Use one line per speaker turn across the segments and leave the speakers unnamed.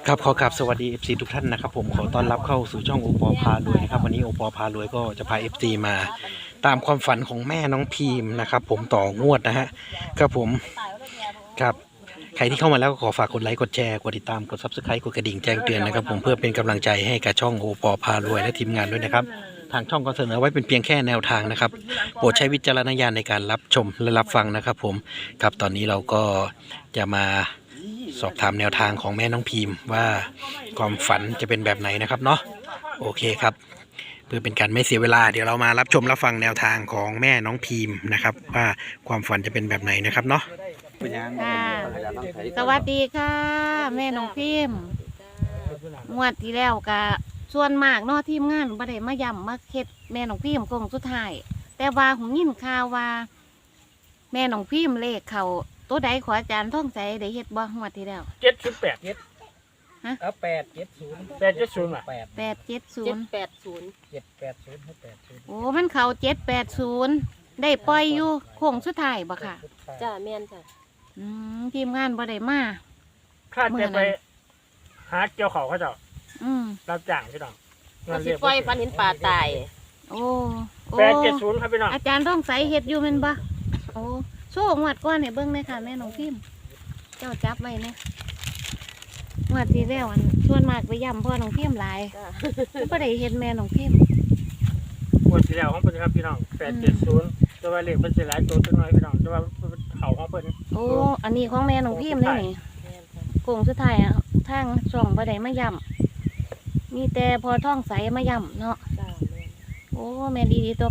ครับขอกราบสวัสดี FC ทุกท่านนะครับผมขอต้อนรับเข้าสู่ช่องโอปอพารวยนะครับวันนี้โอปอพารวยก็จะพา FC มาตามความฝันของแม่น้องพีมนะครับผมต่องวดนะฮะครับผมครับใครที่เข้ามาแล้วก็ขอฝากกดไลค์กดแชร์กดติดตามกด Subscribe กดกระดิ่งแจ้งเตือนนะครับผมเพื่อเป็นกำลังใจให้กับช่องโอปอพารวยและทีมงานด้วยนะครับทางช่องก็เสนอไว้เป็นเพียงแค่แนวทางนะครับโปรดใช้วิจารณญาณในการรับชมและรับฟังนะครับผมครับตอนนี้เราก็จะมาสอบถามแนวทางของแม่น้องพีมว่าความฝันจะเป็นแบบไหนนะครับเนาะโอเคครับเพื่อเป็นการไม่เสียเวลาเดี๋ยวเรามารับชมรับฟังแนวทางของแม่น้องพีมนะครับว่าความฝันจะเป็นแบบไหนนะครับเนาะ
ค่ะสวัสดีค่ะ แม่น้องพิมพ์งวดที่แล้วก็ส่วนมากเนอทีมงานบ่ได้มาย่ำมาเฮ็ดแม่น้องพิมพ์คงสุดท้ายแต่ว่าหูยินข่าวว่า แม่น้องพิมพ์เลขเขาตัวใดขออาจารย์ท่องใจได้เฮ็ดบ่งวดที่แล้ว
708
เอา870
870อ่ะ
8
870
780ให้80
โอ้มันเขา780ได้ปล่อยอยู่โค้งสุดท้ายบ่ค่ะ
จ้าแม่นจ้ะ
ทีมงานบ่ได้มา
ข้าจะไปหาเกี่ยวเขาเขาเจ้า
อืม
รับจ้างพี่น้อง
ก็สิปล่อยฟันเห็นปลาตาย
โอ้โอ้
870ครับพี่น้อง
อาจารย์ต้องใส่เห็ดอยู่แมันบ่โอ้โซ่งวดก้อนให้เบิ่งเลยค่ะแม่น้องพิมพ์เจ้าจับไว้เนี่ยงวดที่แล้วอันส่วนมากไปย่ำพ่อน้องพิมพ์หลาย
จ้า
ก็ได้เห็ดแม่น้องพิมพ์
งวดที่แล้วของเพิ่นครับพี่น้อง870แต่ว่าเลขเพิ่นสิหลายตัวจังน้อยพี่น้องแต่ว่าเขาของเพิ่น
โอ้อันนี้ของแม่น้องพิมพ์เลยนี่
แม่นจ้ะ
โกงสุดท้ายอ่ะทางช่องบ่ได้มาย่ำมีแต่พอท่องใสมาย่ำเนาะ
จ้าแม่น
โอ้แม่ดีตัว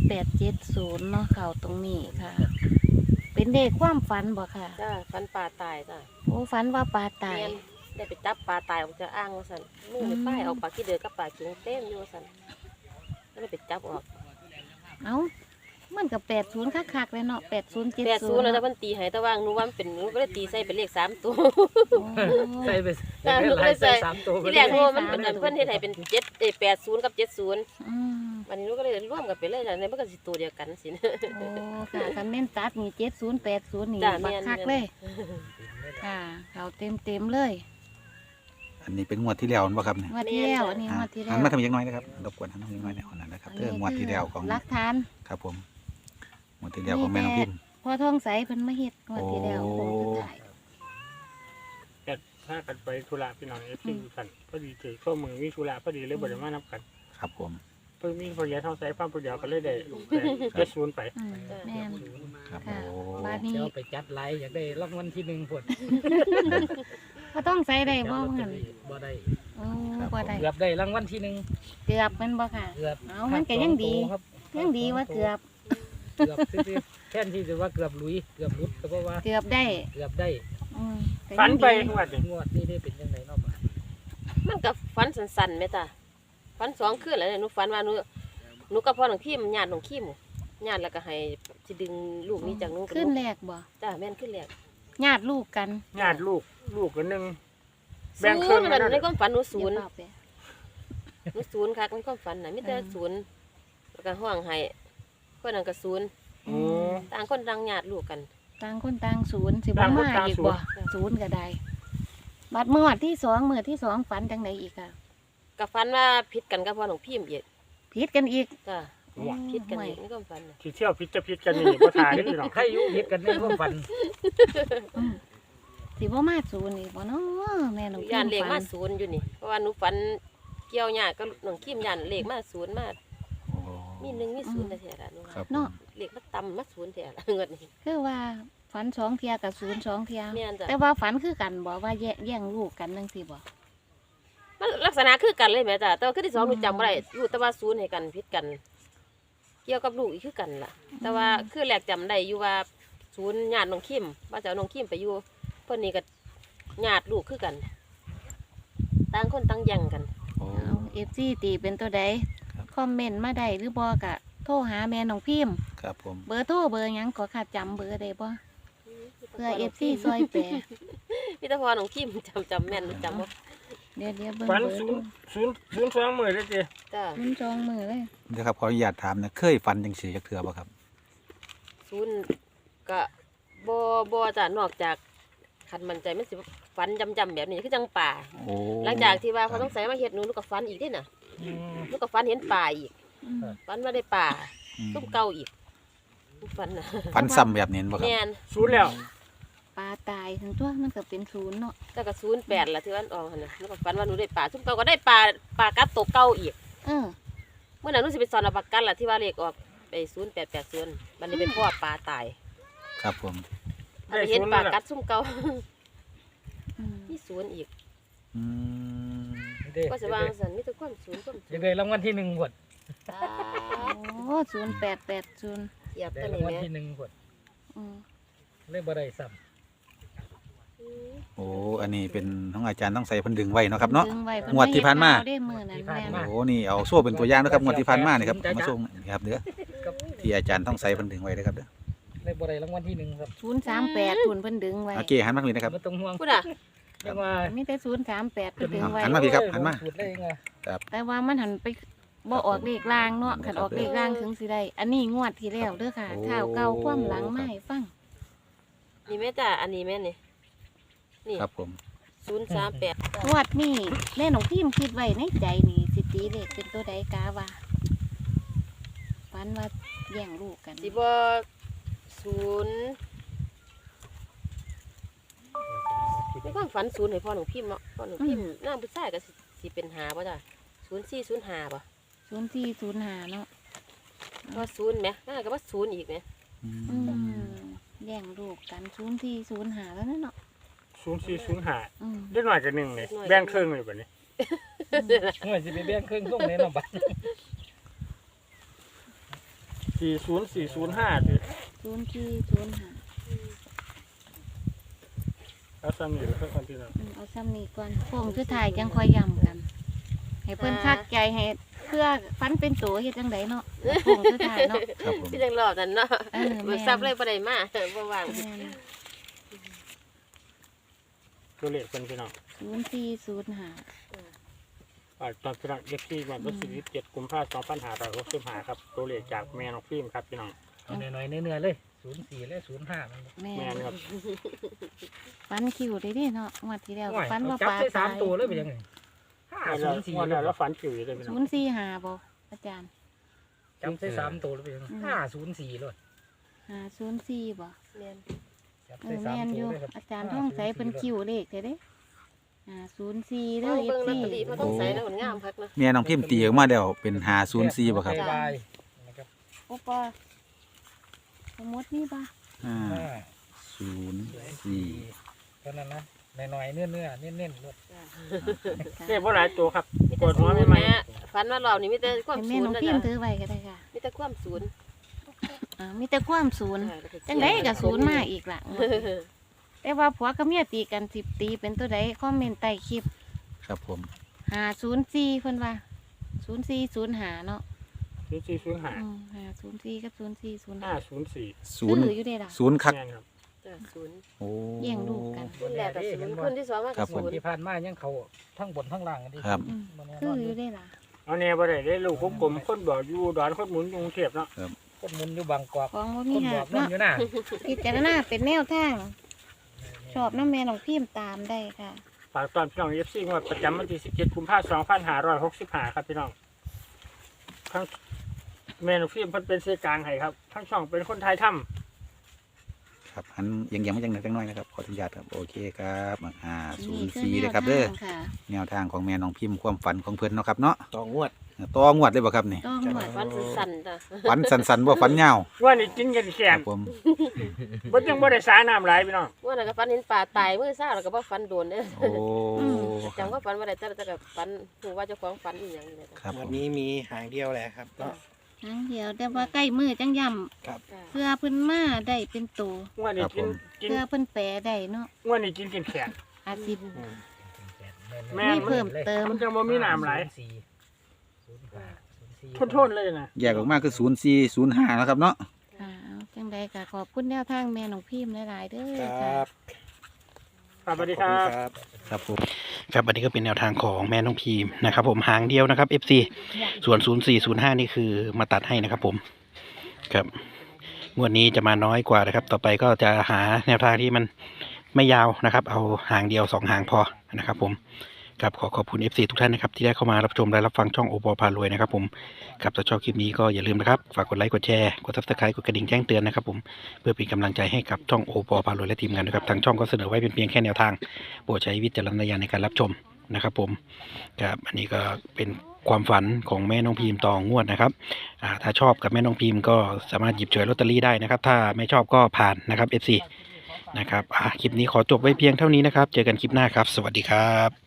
870เนาะเข่าตรงนี้ค่ะ เป็นเด็กความฝันบ่ค่ะ
จ้าฟันปลาตายจ้า
โอ้ฝันว่าปลาตาย
แม่นได้ไปจับปลาตายออกจากอ่างว่าซั่นมือในป้ายเอาปลาขี้เดือกับปลาเข็งเต็มอยู่ว่าซั่นก็เลยไปจับออก
เอ้ามันกับ80คักๆเลยเนาะ8070
80แล้วแต่เพิ่นตีให้แต่ว่าหนูว่ามันเป็นหนูก็เลยตีใส่เป็นเลข3ตัว
ใส่ไป
จ้าหนูก็เลยใส่
3ตัว
ที่แรกหนูว่ามันเป็นอันเพิ่นเฮ็ดให้เป็น80กับ70
อืม
วันนี้หนูก็เลยร่วมกันไปเลยจ้ะในมันก็สิตัวเดียวกันสินะ
โอ้ค่ะคันแม่นตัดนี่7080นี่
จ้ะ
บัก
แม่น
คักเลยค่ะเขาเต็มเลย
อันนี้เป็นงวดที่แล้วป่ะครับเนี่ย
งวดที่แล้วอันนี้งวดที่แล้
หั
วน
มาทำยังน้อยนะครับรบกวนหันมาทำยังน้อยเนี่ยอันนั้นนะครับเรื่องงวดที่แล้วของ
หลักฐาน
ครับผมงวดที่แล้วของแม่น้องพิมพ์
พอท้องใสเพิ่นมาเฮ็ดงวดที่แล้ว
โอ้
โค้งสุดท้าย
แต่ถ้ากันไปธุระพี่น้อง FC กันพอดีเจอข้อมือมีธุระพอดีเลยบ่ได้มานับกัน
ครับผม
เพิ่นมีพยาท้องใส่ฟังผู้เดียวก็เลยได้70ไป
อืมแม่น
ครับ
ค่ะ
โอ้
บาดนี้
เดี๋ยวไปจัดไลฟ์อยากได้รางวัลที่1พุ่น
พอท้องใสได้บ่เพิ่น
บ่ได้
โอ้บ่ได้
เกือบได้รางวัลที่1
เกือบแมันบ่ค่ะ
เกือบ
เอามันก็ยังดี
ครับ
ยังดีว่าเกือบ
เกือบซื่อๆแทนที่จะว่าเกือบหลุยเกือบหลุดก็เพราะว่า
เกือบได้
เกือบได้
อืมก็
ฝัน
ยัง
ไป
ดี
งวดนี้
งวดนี้ได้เป็นจังไดเนาะบ่
มันก็ฝันสั้นๆแม่จ้ะฝัน2คืนแล้วเนี่ยหนูฝันว่าหนูกับพ่อน้องคิมญาติน้องคิมญาติแล้วก็ให้สิดึงลูกนี้จากหนูกับ
ขึ้น
หนู
แรกบ่
จ้าแม่นขึ้นแรก
ญาติลูกกัน
ญาติลูกกันนึง
ศู
แบ่ง
น
ครึ่ง
ย์
กั
มัน นในความฝันหนูศูนย์
เดี๋วเปล่าไป
หนูศูนย์คักในความฝันน่ะมีแต่ศูนย์แล้วก็ห้องให้คนนั้นก็ศูนย์
โอ้
ต่างคนต่างญาติลูกกัน
ต่างคนต่างศูนย์สิบ่
ต่างคน
มา
ต่าง
อีก
ศูน
บ่
ย์
ศูนย์ก็ได้บัดเมื่อวันที่สองฝันจังไดอีกอ่ะ
ก็ฝันว่าผิดกันกับพ่อน้องพิมพ์อีก
ผิดกันอีก
จ้า
โอ้
ผิดกัน
ไม่
อีกในความฝันน่ะ
ที่เที่ยวพิษจะพิษกันนี่บ่ทายพี่น้อง
ใครอยู่ผิดกันในความฝัน
อืมสิบ่มาศูนย์อีกบ่เนาะแม่น้องพิ
ย่าน
มพ์
เลข
ฝั
มาน ศูนย์อยู่นี่เพราะว่าหนูฝันเกี่ยวญาติกับน้องคิมย่านเลขมาศูนย์มา
โอ้
มีหนึ่งมีศูนย์แต่แท้ละหนู
ครับผม
เนาะ
เลขมาต่ำมาศูนย์แท้ละเงินนี่
คือว่าฝันสองเทียกับศูนย์สองเทีย
แม่นจ้ะ
แต่ว่าฝันคือกันบ่ว่าแย่งลูกกันจังซี่บ่
มันลักษณะคือกันเลยแม่จ้ะแต่ว่าคือที่สองหนูจำบ่ได้รู้แต่ว่าศูนย์ให้กันผิดกัน เกี่ยวกับลูกอีกคือกันล่ะ แต่ว่าคือแรกจำได้อยู่ว่าศูนย์ญาติน้องคิมว่าจะเอาน้องคิมไปอยู่เพิ่นนี่ก็ญาติลูกคือกันต่างคนต่างแย่งกัน
โอ้
เอา FC ตีเป็นตัวใด
ครับ
คอมเมนต์มาได้หรือบ่ก็โทรหาแม่น้องพิมพ์
ครับผม
เบอร์โทรเบอร์หยังก็ขาดจำเบอร์ได้บ่เพื่อ FC ซอยแปร
พี่ตาพอน้องคิมจำแม่นหนูจำว่า
เดี๋ยวเบิ่ง
ฝัน
เบอร์
ศู
ดู
นย์2มื้อเลยจิ
จ้ะ
มันจองมือเลย
เดี๋ยวครับขออนุญาตถามนะเคยฟันจังสีจักเทือป่ะครับ
ศูนย์ก็บ่จ้ะนอกจากคันมันใจมันสิฝันจำแบบนี้คือจังป่า
โอ้
หลังจากที่ว่าเขาต้องใส่มาเฮ็ดหนูก็ฝันอีกเด้น่ะ
อืม
หนูก็ฝันเห็นป่าอีก
อืม
ฝันว่าได้ป่า
อืม
ตุ้มเก่าอีกฝันน่ะ
ฝันซ้ำแบบนี้บ่ครับ
แม่น
ศูนย์แล้ว
ปลาตายทั้งตัวมันก็เป็นศูนย์เนาะ
แต่ก็08ล่ะที่วันออกหั่นน่ะหนูก็ฝันว่าหนูได้ป่าตุ้มเก่าก็ได้ป่ากัดตกเก่าอีก
เออ
เมื่อนั้นหนูสิไปสอนเอาปากกันล่ะที่ว่าเลขออกไป0880บัดนี้เป็นพ่อป่าตาย
ครับผม
เอาไปเห็นป่ากัดซุ่มเก่า
อืม
มีศูนย์อีก
อืม
เด้
ก็สิว่าซั่นมีแต่ความศูนย์ความ
ยังได้รางวัลที่1หมด
โอ้0880
เหยียบ
ได้
ตัว
รา
นี้
งวัล
แม่
ที่1หมด
อืม
เลยบ่ได้ซ้
โอ้อันนี้เป็นของอาจารย์ต้องใส่เพิ่นดึงไว้เนาะครับเนาะ
ดึงไว้เพิ่
งวดที่ผ่านมา
เฮ็ดข่วได้มื้อนั้นแม่น
โอ้นี่เอาโซ่เป็นตัวอย่างนะครับงวดที่ผ่านมานี่ครับเอามาส่งนี่ครับเด้อ
ำกับ
ที่อาจารย์ต้องใส่เพิ่นดึงไว้เด้อครับเด้อ
เลยบ่ได้รางวัลที่1ครับ
038ทุนเพิ่นดึงไว้
โอเคหันมาเลยนะครับ
บ่ต้องห่วง
พูดอ่ะ
ยังว่า
มีแต่038เพิ่นดึงไว้
หันมาพี่ครับหันมา
พูดได้ยังไง
แต่ว่ามันหันไปบ่ออกเลขล่างเนาะคันออกเลขล่างถึงสิได้อันนี้งวดที่แล้วเด้อค่ะข่าวเก่าความหลังมาให้ฟัง
นี่แม่จ้ะอันนี้แม่นี่นี่
ครับผม
038
งวดนี้แม่น้องพิมคิดไว้ในใจนี่สิตีเลขเป็นตัวใดกาว่าฝันว่าแย่งลูกกัน
สิบ่ศูนย์ในความฝันศูนย์ให้พ่อหนูพิมพ์เนาะพ่อหนูพิมพ์นางผู้ชายก็สิเป็นหาบ่จ้ะ0405บ่
0405เนาะ
เพราะศูนย์แหมน่าก็ว่าศูนย์อีกแหม
อื
อื
ม
มแย่งลูกกัน0405แล้วนั่นเนาะ
0405
อืม
ได้หน่อยกันหนึ่งเลยแบ่งครึ่งเลยแบบนี้
เมื่อสิไปแบ่งครึ่งส่งในน้ำบัตร
40405ดิ
0405
แล้วซ้ำอยู่เพื่อคนที่เรา
เอาซ้ำนี้ก่อนพวงคือถ่ายจังค่อยย้ำกัน ให้เพิ่นคักใจให้เพื่อฟันเป็นตัวเฮ็ดจังไดเนาะพวงคือถ่ายเนาะ
ครับผม
พี่จังรอบนั้นเนาะ
เออ
เบิกทรัพย์เลยบ่ได้มาบ่ว่าง
แม่น
ตัวเลขเป็นพี่น้อง
0405
ตอนพี่น้องเย็บที่วันที่17กุมภาพันธ์2565ครับตัวเลขจากแม่น้องฟิล์มครับพี่น้อง
เอาหน่อยๆเนื้อๆเลย04และ05มัน
แม่
แม่
น
นครับ
ฟันคิวได้ดิเนาะงวดที่แล้ว
โอ้ย
ฟันว่า
จับ
ปลา
ได้
ตาย
3ตัวเลยเป็นยังไง
วันแล้วแล้วฝันจิ๋วอยู่เลยพี่น้อง
045บ่อาจารย์
จับได้3ตัวเลยเป็นยังไง504เลย
504บ่
แม่น
จับ
เอ
ได้
อแม่น
3
อ
ตัว
ยู่
เลยครับ
อาจารย์ท่องใส่เพิ่นคิวเลขเด้504
เบิ่
เด้อง
เบิ่งลอต
FC
เตอรี่เพราะต้องใส่แล้วมันงามคักนะ
แม่น้องพิมพ์ตีออกมาแล้วเป็น504บ่ครับ
บายนะครับ
โอปอสมมุตินี่ป่ะ
504
เท่านั้นนะหน่อยๆเนื้อๆเน้นๆเลย
เลขว่าหลายตัวครับ
มี
ป
แต่
วด
ศู
หัวน
ย์
ไม่ไหม
แม่ฝันว่ารอบนี้มีแต่ความ
ให้
ศู
แม่
น
น้อง
ย์นะ
พิ
จ๊ะ
มพ์ถือไว้ก็ได้ค่ะ
มีแต่ความศูนย์
มีแต่ความศูนย์จังไดก็ศูนย์มาอีกล่ะงวดนี้แต่ว่าผัวกับเมียตีกัน10ตีเป็นตัวใดคอมเมนต์ใต้คลิป
ครับผม
504เพิ่นว่า0405เนาะ
0405
504กับ0405
504
ศูนย์
ซื้ออยู่เด้ล่ะ
ศูนย์คัก
แม่นครับ
จ้ะศูนย์
โอ้
แย่งลูกกัน
คนแรกก็ศูนย์คนที่สองมา
ครั
ก็
บผม
ศูนย์
ที่ผ่านมายังเขาทั้งบนทั้งล่างกันดิ
ครับ
อืม
บ่แน่
คื
น
อ
อน
อ
อยู่
ยู่ได้ล่ะ
เอาเนี่ยบ่ได้ได้ลูกกลมๆคนบอกอยู่ดอนคนหมุนอยู่กรุงเทพเนาะ
คนหมุนอยู่บางกอก
ของว่า
ค
มี
นบ
หั
อก
ก
นั่น
เนาะ
อยู่หน้า
พิจารณาเป็นแนวทาง ชอบน้ำแม่น้องพิมพ์ตามได้ค่ะ
ฝากตอนพี่น้อง FC งวดประจำวันที่17กุมภาพันธ์2565ครับพี่น้องทั้งแม่น้องฟิล์มเพิ่นเป็นเสกลางให้ครับทั้งช่องเป็นคนไทยถ้ำ
ครับหันเอียังๆมาจังหน่อยจังน้อยนะครับขออนุญาตครับโอเคครับ
นี่คือ
504
แน
เล
วย
ครับเด้อ
ทางค่ะ
แนวทางของแม่น้องพิมพ์ความฝันของเพิ่นเนาะครับเนาะ
ต่องวด
ต่องวดเลยบ่ครับนี่
ต้องหมด
ฝันสั่นๆจ้ะ
ฝันสันๆบ่ฝันยาว
ว่านี่กินกันแข
คน รับผม
บ่ยังบ่ได้สาน้ำหลายพี่น้อง
ว่าแล้วก็ฝันเห็นป่าตายมื้อซ่าแล้วก็บ่ฝันโดนเด้อ
โอ้ค
จำ
รับ
ว่าฝันบ่ได้แต่ก็ฝันฮู้ว่าเจ้าของฝันอีหยังนี่แหละจ้ะ
ครับ
ง
ผ
วด
ม
นี้มีหางเดียวแหละครับก็
ครั้งเดียวแต่ว่าใกล้มือจังย่
จ้ะ
ำเพื่อเพิ่นมาได้เป็นตัว
ว่านี่กิน
เพื่อเพิ่นแปลได้เนาะ
ว่านี่กินแขน
อาสิ
แม่
มี
น
เพิ่มเติม
มันจะบ่มีน้ำหลายทนๆเลยนะ
แยกออกมาคือ0405นะครับเนาะ
ค่ะเอาจังใดก็ขอบคุณแนวทางแม่น้องพิมพ์หลายๆเด้อ
ค
ค่ะ
รับ
สวัสดีครับ
ครับผมครับอันนี้ก็เป็นแนวทางของแม่น้องพีมนะครับผมหางเดียวนะครับ FC ส่วน 0405 นี่คือมาตัดให้นะครับผมครับงวดนี้จะมาน้อยกว่านะครับ ต่อไปก็จะหาแนวทางที่มันไม่ยาวนะครับเอาหางเดียว2หางพอนะครับผมครับขอบคุณ FC ทุกท่านนะครับที่ได้เข้ามารับชมและรับฟังช่องโอปอพารวยนะครับผมครับถ้าชอบคลิปนี้ก็อย่าลืมนะครับฝากกดไลค์กดแชร์กด Subscribe กดกระดิ่งแจ้งเตือนนะครับผมเพื่อเป็นกำลังใจให้กับช่องโอปอพารวยและทีมงานนะครับทางช่องก็เสนอไว้เป็นเพียงแค่แนวทางโปรดใช้วิจารณญาณในการรับชมนะครับผมครับอันนี้ก็เป็นความฝันของแม่น้องพิมพ์ต่องวดนะครับถ้าชอบกับแม่น้องพิมพ์ก็สามารถหยิบฉวยลอตเตอรี่ได้นะครับถ้าไม่ชอบก็ผ่านนะครับ FC นะครับคลิปนี้ขอจบไว้เพียงเท่านี้นะครับเจอกันคลิปหน้าครับสวัสดีครับ